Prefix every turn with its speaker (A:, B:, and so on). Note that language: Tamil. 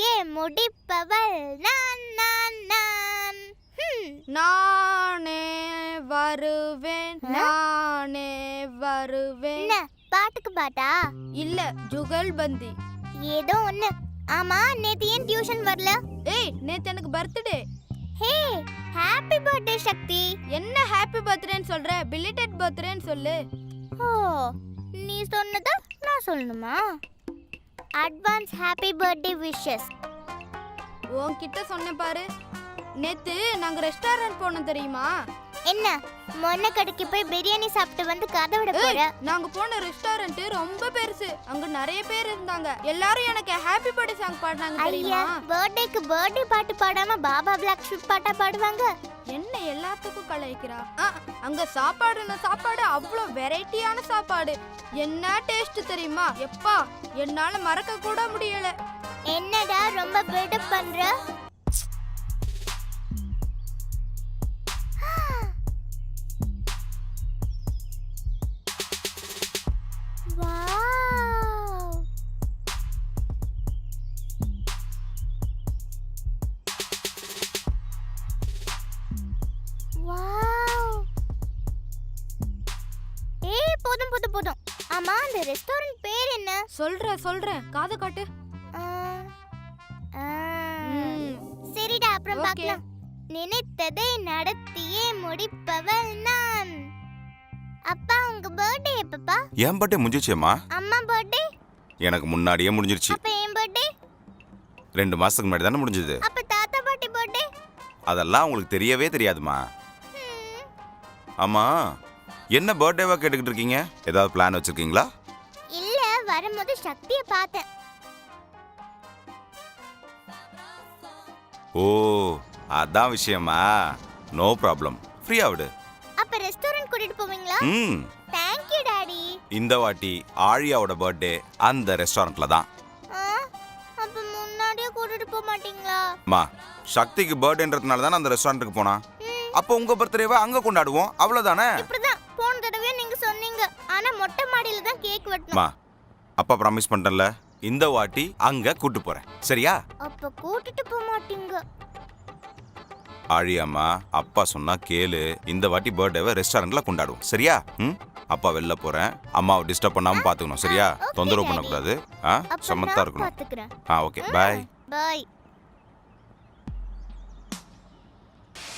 A: நடத்தியே முடிப்பவள் நான் நான் நான்.
B: நானே வருவேன் நானே வருவேன்.
A: என்ன பாட்டுக்கு பாட்டா?
B: இல்ல ஜுகல்பந்தி.
A: ஏதோ ஒண்ணு. ஆமா நேத்து ஏன் டியூஷன் வரல?
B: ஏய் நேத்து எனக்கு birthday.
A: Hey happy birthday Sakthi.
B: என்ன ஹாப்பி பர்த்டேன்னு சொல்ற? பிலிட்டட் பர்த்டேன்னு சொல்லு.
A: ஓ நீ சொன்னதா நான் சொல்லணுமா? Advance happy birthday wishes.
B: உன்கிட்ட சொன்னேன் பாரு. நேத்து நாங்க ரெஸ்டாரண்ட் போனோம் தெரியுமா?
A: என்ன மொன்ன கடைக்கு போய் பிரியாணி சாப்பிட்டு வந்து கதை விட போற?
B: நாங்க போன ரெஸ்டாரண்ட் ரொம்ப பெருசு. அங்க நிறைய பேர் இருந்தாங்க. எல்லாரும் எனக்கு ஹாப்பி பர்த்டே சாங் பாடுனாங்க தெரியுமா?
A: பர்த்டேக்கு பர்த்டே பாட்டு பாடாம பாபா பிளாக் ஷூட் பாட்டா பாடுவாங்க.
B: என்ன எல்லாத்துக்கும் கலாய்க்கிறா? அங்க சாப்பாடு அவ்வளோ வெரைட்டியான சாப்பாடு. என்ன டேஸ்ட் தெரியுமா? எப்பா என்னால மறக்க கூட முடியல.
A: என்னடா ரொம்ப பில்டப் பண்ற? போதும். ஆமா அந்த ரெஸ்டாரண்ட் பேர் என்ன?
B: சொல்றேன் காது காட்டு.
A: சரிடா அப்புறம் பார்க்கலாம். நினைத்ததை நடத்தியே முடிப்பவள் நான். அப்பா உங்க பர்த்டே எப்பப்பா?
C: என் பர்த்டே முடிஞ்சிச்சேம்மா.
A: அம்மா பர்த்டே
C: எனக்கு முன்னாடியே முடிஞ்சிருச்சு.
A: அப்ப என் பர்த்டே
C: 2 மாசத்துக்கு முன்னாடி தானே முடிஞ்சது.
A: அப்ப தாத்தா பாட்டி பர்த்டே?
C: அதெல்லாம் உங்களுக்கு தெரியவே தெரியாதுமா. ஆமா என்ன பர்த்டேவா கேட்டுக்கிட்டு இருக்கீங்க? ஏதாவது பிளான் வச்சிருக்கீங்களா?
A: இல்ல வரும்போது சக்தியை பார்த்தேன்.
C: ஓ அதான் விஷயமா? நோ ப்ராப்ளம், ஃப்ரீயா விடு.
A: அப்ப ரெஸ்டாரண்ட் கூட்டிட்டு போவீங்களா? Thank you daddy.
C: இந்த வாட்டி ஆழியாவோட பர்த்டே அந்த ரெஸ்டாரண்ட்ல தான்.
A: அப்ப முன்னாடியே கூட்டிட்டு போக மாட்டீங்களா?
C: மா சக்திக்கு பர்த்டேன்றதுனால தானே அந்த ரெஸ்டாரண்ட்டுக்கு போனா. அப்போ உங்க பர்த்டேவை அங்க கொண்டாடுவோம், அவ்வளவுதானே?
A: இப்படிதான் போன தடவை நீங்க சொன்னீங்க. ஆனா மொட்டை மாடியில தான் கேக் வெட்டணும்.
C: மா அப்பா ப்ராமிஸ் பண்ணிட்டேன்ல, இந்த வாட்டி அங்க கூட்டி போறேன், சரியா?
A: அப்ப கூட்டிட்டு போக மாட்டீங்க.
C: ஆழியாம்மா அப்பா சொன்னா கேளு. இந்த வாட்டி பர்த்டேவை ரெஸ்டாரண்ட்ல கொண்டாடுவோம், சரியா? அப்பா வெளில போறேன். அம்மாவை டிஸ்டர்ப் பண்ணாம பாத்துக்கணும், சரியா? தொந்தரவு பண்ணக்கூடாது. சமத்தா இருக்கணும்.
A: பாத்துக்கிறேன்.
C: Okay bye.
A: பை.